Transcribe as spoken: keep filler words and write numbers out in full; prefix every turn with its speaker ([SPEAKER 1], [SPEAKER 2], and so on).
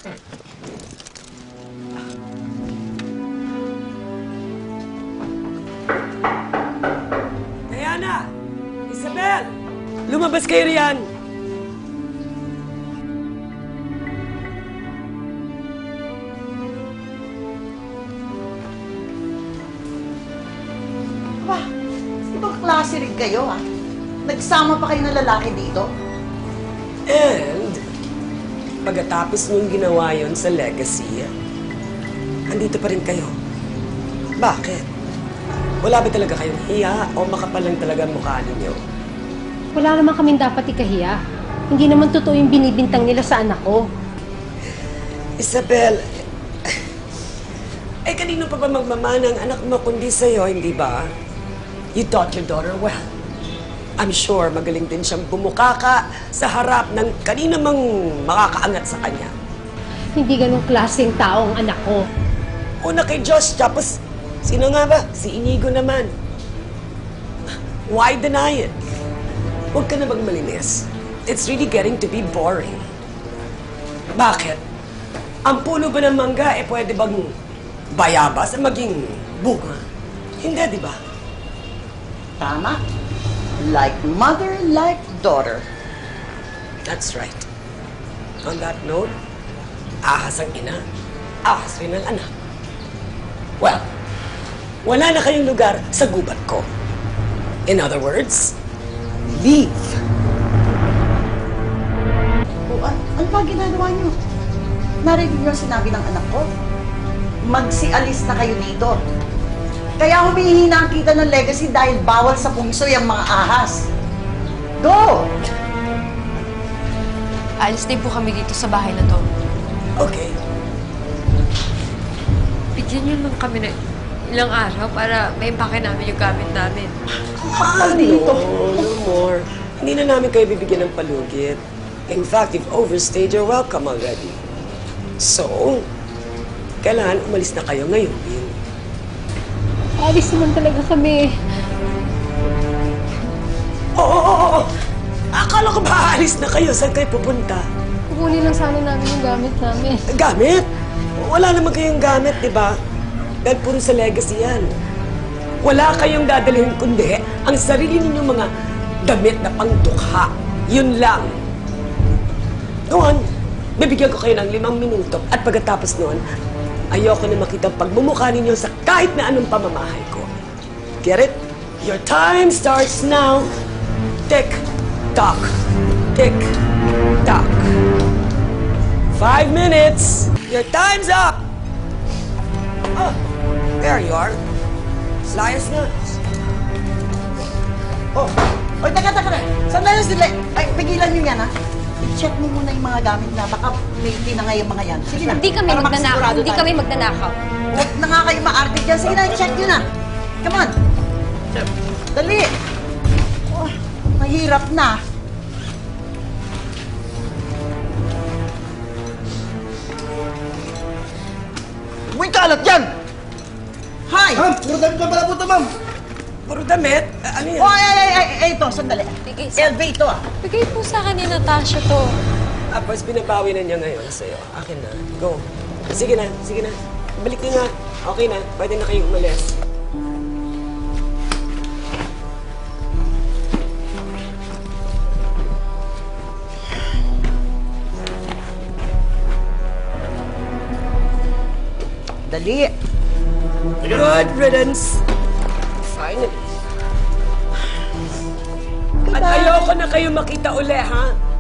[SPEAKER 1] Diana! Isabel! Lumabas kayo riyan!
[SPEAKER 2] Aba, ibang klase rin kayo, ha? Nagsama pa kayo ng lalaki dito?
[SPEAKER 1] And, pagkatapos niyong ginawa yon sa legacy, andito pa rin kayo. Bakit? Wala ba talaga kayong hiya o makapal lang talaga ang mukha ninyo?
[SPEAKER 3] Wala naman kaming dapat ikahiya. Hindi naman totoo yung binibintang nila sa anak ko.
[SPEAKER 1] Isabel, eh kanino pa ba magmamana ang anak mo kundi sa'yo, hindi ba? You taught your daughter well. I'm sure magaling din siyang bumukaka sa harap ng kanina mang makakaangat sa kanya.
[SPEAKER 3] Hindi ganong klaseng tao ang anak ko.
[SPEAKER 1] Una kay Josh, tapos sino nga ba? Si Inigo naman. Why deny it? Huwag ka na magmalinis. It's really getting to be boring. Bakit? Ang puno ba ng mangga, eh pwede bang bayabas at maging bunga? Hindi, di ba?
[SPEAKER 2] Tama. Like mother, like daughter.
[SPEAKER 1] That's right. On that note, ahas ang ina, ahas rin ang anak. Well, wala na kayong lugar sa gubat ko. In other words, leave.
[SPEAKER 2] O, an ano ba ginagawa niyo? Narinig niyo ang sinabi ng anak ko? Magsialis na kayo dito. Kaya humihina ang kita ng legacy dahil bawal sa pungso yung mga ahas. Go!
[SPEAKER 4] Alis din po kami dito sa bahay na to.
[SPEAKER 1] Okay.
[SPEAKER 4] Bigyan niyo lang kami ng ilang araw para maimpake namin yung gamit namin.
[SPEAKER 2] Mahal dito.
[SPEAKER 1] No, no more. Hindi na namin kayo bibigyan ng palugit. In fact, you've overstayed your welcome already. So, kailangan umalis na kayo ngayon, Bill.
[SPEAKER 3] Alis naman talaga kami.
[SPEAKER 1] Oo, oo, oo. Akala ko ba aalis na kayo? Saan kayo pupunta?
[SPEAKER 3] Kukunin lang sana namin yung gamit namin.
[SPEAKER 1] Gamit? Wala naman kayong gamit, di ba? Dahil puro sa legacy yan. Wala kayong dadalhin kundi ang sarili ninyong mga damit na pangdukha. Yun lang. Go on. Bibigyan ko kayo ng limang minuto at pagkatapos noon, ayoko na makita ang pagmumukha ninyo sa kahit na anong pamamahay ko. Get it? Your time starts now. Tick, tock. Tick, tock. Five minutes. Your time's up. Oh, there you are. Slayas na.
[SPEAKER 2] Oh, oy, teka, teka, teka. Sandali, sandali. Ay, pigilan niyo yan, ha? I-check mo muna yung mga gamit na baka may tinangay yung mga yan. Sige na.
[SPEAKER 4] Hindi kami
[SPEAKER 2] para
[SPEAKER 4] magnanakaw.
[SPEAKER 2] makasigurado
[SPEAKER 4] Hindi
[SPEAKER 2] tayo.
[SPEAKER 4] kami magnanakaw.
[SPEAKER 2] Huwag na nga kayo maarte dyan. Sige na, i-check nyo na. Come on. Dali. Oh, mahirap na.
[SPEAKER 5] May kalat yan!
[SPEAKER 2] Hi!
[SPEAKER 5] Ma'am, puro damit lang pala po ito, ma'am.
[SPEAKER 1] Puro damit? Ah, ano yan?
[SPEAKER 2] Oh, ay, ay, ay, ay, ay, ito, sandali.
[SPEAKER 4] Bigay sa-
[SPEAKER 2] L V ito, ah.
[SPEAKER 4] Bigay po sa akin ni Natasha to.
[SPEAKER 1] Ah, pues binabawi na niya ngayon sa'yo. Akin na. Go. Sige na, sige na. Balik niyo na. Okay na. Pwede na kayo umalis.
[SPEAKER 2] Dali.
[SPEAKER 1] Good riddance. Finally. At ayoko na kayo makita uli, ha?